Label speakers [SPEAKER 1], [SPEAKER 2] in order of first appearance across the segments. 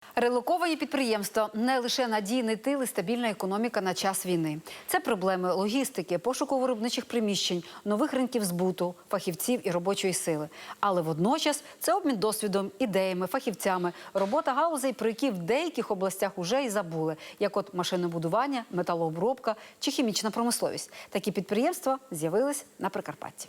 [SPEAKER 1] Релоковані підприємства – не лише надійний тил і стабільна економіка на час війни. Це проблеми логістики, пошуку виробничих приміщень, нових ринків збуту, фахівців і робочої сили. Але водночас це обмін досвідом, ідеями, фахівцями, робота галузей, про які в деяких областях уже і забули, як от машинобудування, металообробка чи хімічна промисловість. Такі підприємства з'явились на Прикарпатті.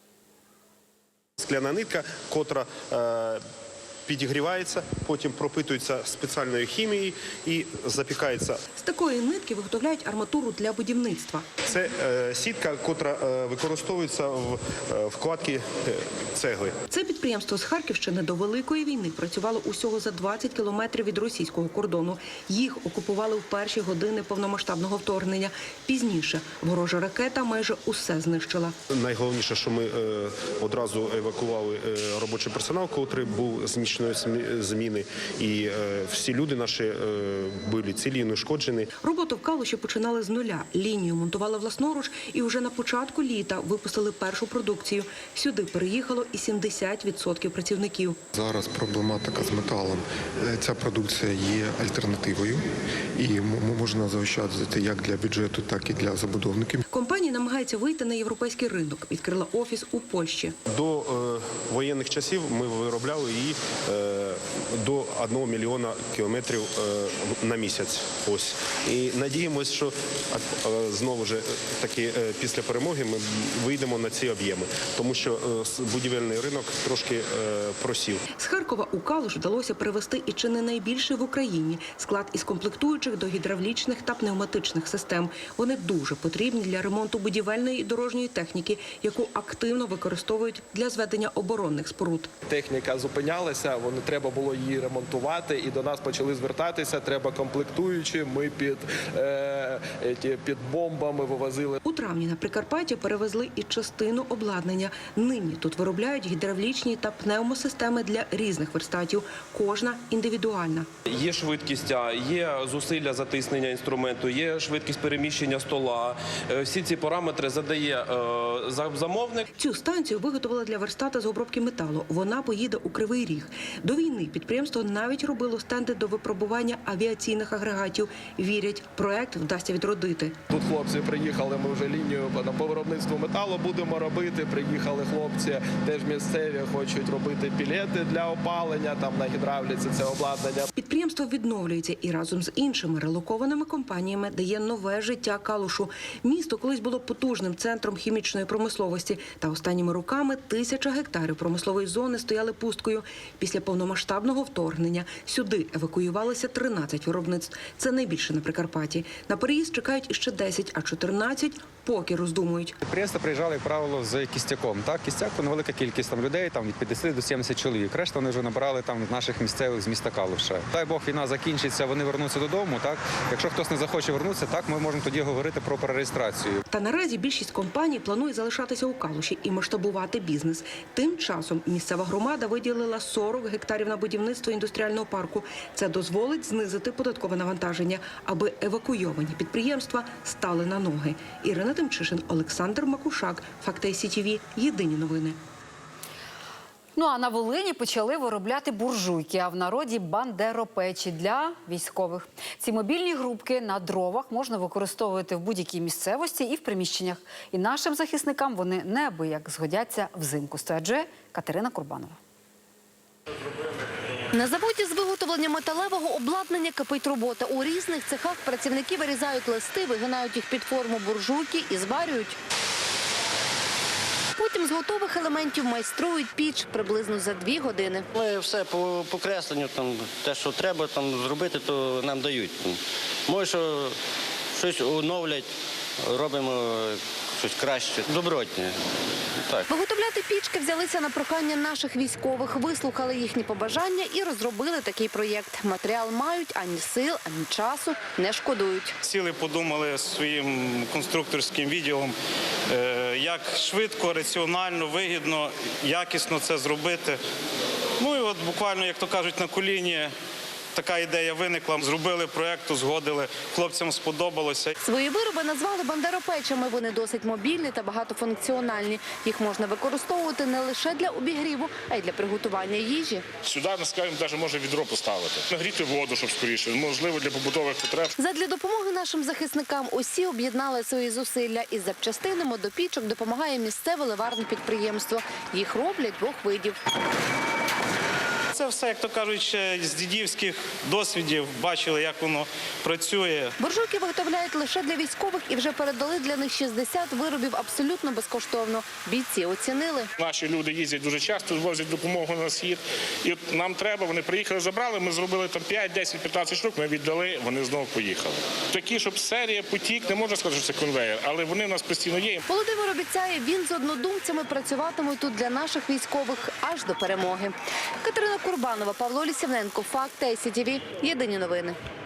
[SPEAKER 2] Скляна нитка, котра підігрівається, потім пропитується спеціальною хімією і запікається.
[SPEAKER 3] З такої нитки виготовляють арматуру для будівництва.
[SPEAKER 2] Це сітка, котра використовується в вкладці цегли.
[SPEAKER 3] Це підприємство з Харківщини до Великої війни працювало усього за 20 кілометрів від російського кордону. Їх окупували в перші години повномасштабного вторгнення. Пізніше ворожа ракета майже усе знищила.
[SPEAKER 2] Найголовніше, що ми одразу евакували робочий персонал, котрий був з нічної зміни, і всі люди наші були цілі і неушкоджені.
[SPEAKER 3] Роботу в Калуші починали з нуля. Лінію монтували власноруч і вже на початку літа випустили першу продукцію. Сюди переїхало і 70% працівників.
[SPEAKER 4] Зараз проблематика з металом. Ця продукція є альтернативою і можна заощаджувати як для бюджету, так і для забудовників.
[SPEAKER 3] Компанія намагається вийти на європейський ринок. Відкрила офіс у Польщі.
[SPEAKER 2] До воєнних часів ми виробляли її до 1 мільйона кілометрів на місяць. Ось. І надіємося, що знову ж таки після перемоги ми вийдемо на ці об'єми, тому що будівельний ринок трошки просів.
[SPEAKER 3] З Харкова у Калуш вдалося перевести і чи не найбільший в Україні склад із комплектуючих до гідравлічних та пневматичних систем. Вони дуже потрібні для ремонту будівельної і дорожньої техніки, яку активно використовують для зведення оборонних споруд.
[SPEAKER 5] Техніка зупинялася, треба було її ремонтувати, і до нас почали звертатися, треба комплектуючі, ми під бомбами вивозили.
[SPEAKER 3] У травні на Прикарпатті перевезли і частину обладнання. Нині тут виробляють гідравлічні та пневмосистеми для різних верстатів, кожна індивідуальна.
[SPEAKER 6] Є швидкість, є зусилля затиснення інструменту, є швидкість переміщення стола. Всі ці параметри задає замовник.
[SPEAKER 3] Цю станцію виготовили для верстата з обробки металу. Вона поїде у Кривий Ріг. До війни підприємство навіть робило стенди до випробування авіаційних агрегатів. Вірять, проект вдасться відродити.
[SPEAKER 5] Тут хлопці приїхали, ми вже лінію по виробництву металу будемо робити. Приїхали хлопці, теж місцеві, хочуть робити пілети для опалення, там на гідравліці це обладнання.
[SPEAKER 3] Підприємство відновлюється і разом з іншими релокованими компаніями дає нове життя Калушу. Місто колись було потужним центром хімічної промисловості, та останніми роками 1000 гектарів промислової зони стояли пусткою. Після повномасштабного вторгнення сюди евакуювалися 13 виробництв. Це найбільше на Прикарпатті. На переїзд чекають іще 10, а 14 поки роздумують.
[SPEAKER 7] Підприємства приїжджали, як правило, з кістяком. Кістяк – невелика кількість людей, від 50 до 70 чоловік. Решта вони вже набрали наших місцевих з міста Калуша. Дай Бог, війна закінчиться, вони вернуться додому. Якщо хтось не захоче вернутися, ми можемо тоді говорити про перереєстрацію.
[SPEAKER 3] Та наразі більшість компаній планує залишатися у Калуші і масштабувати бізнес. Тим часом місцева громада виділила 40 гектарів на будівництво індустріального парку. Це дозволить знизити податкове навантаження, аби евакуйовані підприємства стали на ноги. Ірина Тимчишин, Олександр Макушак, Факти СІТВ. Єдині новини.
[SPEAKER 1] Ну а на Волині почали виробляти буржуйки, а в народі – бандеропечі для військових. Ці мобільні грубки на дровах можна використовувати в будь-якій місцевості і в приміщеннях. І нашим захисникам вони неабияк згодяться взимку, стверджує Катерина Курбанова.
[SPEAKER 8] На заводі з виготовлення металевого обладнання кипить робота. У різних цехах працівники вирізають листи, вигинають їх під форму буржуйки і зварюють. Потім з готових елементів майструють піч приблизно за 2 години.
[SPEAKER 9] Ми все по кресленню, те, що треба зробити, то нам дають. Може, що щось оновлять, робимо щось краще, добротне. Так.
[SPEAKER 8] Виготовляти пічки взялися на прохання наших військових, вислухали їхні побажання і розробили такий проєкт. Матеріал мають, ані сил, ані часу не шкодують.
[SPEAKER 10] Сіли, подумали своїм конструкторським відділом, як швидко, раціонально, вигідно, якісно це зробити. Ну і от буквально, як то кажуть, на коліні така ідея виникла. Зробили проєкт, узгодили, хлопцям сподобалося.
[SPEAKER 8] Свої вироби назвали бандеропечами. Вони досить мобільні та багатофункціональні. Їх можна використовувати не лише для обігріву, а й для приготування їжі.
[SPEAKER 11] Сюди, скажімо, навіть може відро поставити. Нагріти воду, щоб скоріше, можливо, для побутових потреб.
[SPEAKER 8] Задля допомоги нашим захисникам усі об'єднали свої зусилля. Із запчастинами до пічок допомагає місцеве ливарне підприємство. Їх роблять двох видів.
[SPEAKER 10] Це все, як то кажуть, ще з дідівських досвідів бачили, як воно працює.
[SPEAKER 8] Буржуйки виготовляють лише для військових і вже передали для них 60 виробів абсолютно безкоштовно. Бійці оцінили.
[SPEAKER 11] Наші люди їздять дуже часто, возять допомогу на схід. І от нам треба, вони приїхали, забрали, ми зробили там 5, 10, 15 штук, ми віддали, вони знову поїхали. Такі, щоб серія, потік, не можна сказати, що це конвейер, але вони в нас постійно є.
[SPEAKER 8] Володимир обіцяє, він з однодумцями працюватиме тут для наших військових аж до перемоги. Катерина Курбанова, Павло Лісівненко, Факти, ICTV. Єдині новини.